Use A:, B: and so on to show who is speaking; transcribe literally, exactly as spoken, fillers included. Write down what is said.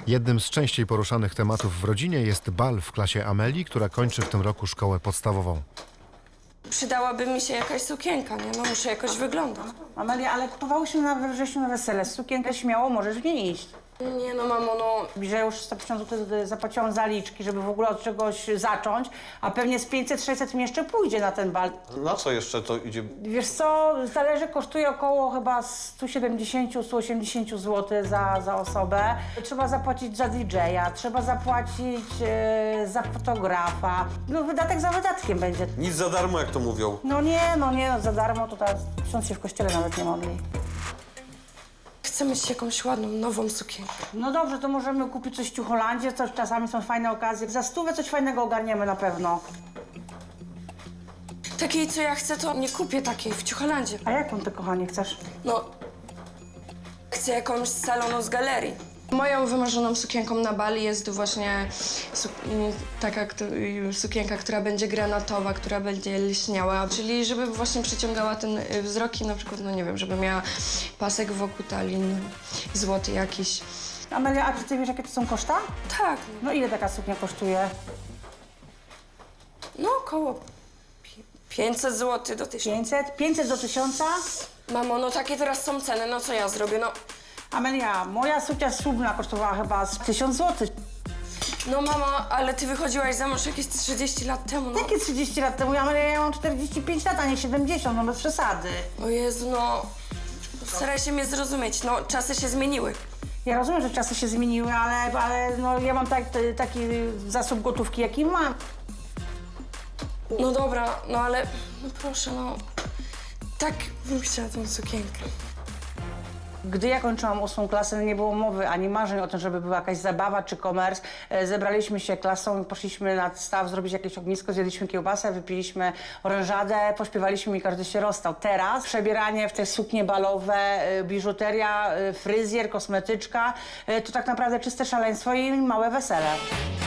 A: Jednym z częściej poruszanych tematów w rodzinie jest bal w klasie Amelii, która kończy w tym roku szkołę podstawową.
B: Przydałaby mi się jakaś sukienka, nie? No muszę jakoś wyglądać.
C: Amelia, ale kupowałyśmy na we wrześniu na wesele. Sukienkę śmiało możesz w niej iść.
B: Nie no, mamo, no...
C: Że już sto pięćdziesiąt złotych zapłaciłam zaliczki, żeby w ogóle od czegoś zacząć, a pewnie z pięćset sześćset mi jeszcze pójdzie na ten bal.
D: Na co jeszcze to idzie?
C: Wiesz co, zależy, kosztuje około chyba sto siedemdziesiąt do stu osiemdziesięciu złotych za, za osobę. Trzeba zapłacić za didżeja, trzeba zapłacić e, za fotografa. No wydatek za wydatkiem będzie.
D: Nic za darmo, jak to mówią.
C: No nie, no nie, no za darmo to teraz ksiądz się w kościele nawet nie modli.
B: Chcę mieć jakąś ładną, nową sukienkę.
C: No dobrze, to możemy kupić coś w Ciucholandzie, coś czasami są fajne okazje. Za stówę coś fajnego ogarniemy na pewno.
B: Takiej, co ja chcę, to nie kupię takiej w Ciucholandzie.
C: A jaką ty, kochanie, chcesz?
B: No, chcę jakąś z salonu z galerii. Moją wymarzoną sukienką na bali jest właśnie su taka któ sukienka, która będzie granatowa, która będzie lśniała, czyli żeby właśnie przyciągała ten wzrok i na przykład, no nie wiem, żeby miała pasek wokół talii, złoty jakiś.
C: Amelia, a czy ty wiesz, jakie to są koszta?
B: Tak,
C: No ile taka suknia kosztuje?
B: no około pięćset złotych do tysiąca.
C: pięćset? pięćset do tysiąca?
B: Mamo, no takie teraz są ceny, no co ja zrobię, no...
C: Amelia, moja suknia ślubna kosztowała chyba z tysiąc złotych.
B: No mama, ale ty wychodziłaś za mąż jakieś trzydzieści lat temu, no.
C: Jakie trzydzieści lat temu? Amelia, ja mam czterdzieści pięć lat, a nie siedemdziesiąt, no bez przesady.
B: O Jezu, no... Staraj się mnie zrozumieć, no czasy się zmieniły.
C: Ja rozumiem, że czasy się zmieniły, ale, ale no, ja mam tak, taki zasób gotówki, jaki mam.
B: No dobra, no ale... No proszę, no... Tak bym chciała tą sukienkę.
C: Gdy ja kończyłam ósmą klasę, nie było mowy ani marzeń o tym, żeby była jakaś zabawa czy komers. E, Zebraliśmy się klasą i poszliśmy nad staw zrobić jakieś ognisko, zjedliśmy kiełbasę, wypiliśmy orężadę, pośpiewaliśmy i każdy się rozstał. Teraz przebieranie w te suknie balowe, e, biżuteria, e, fryzjer, kosmetyczka, e, to tak naprawdę czyste szaleństwo i małe wesele.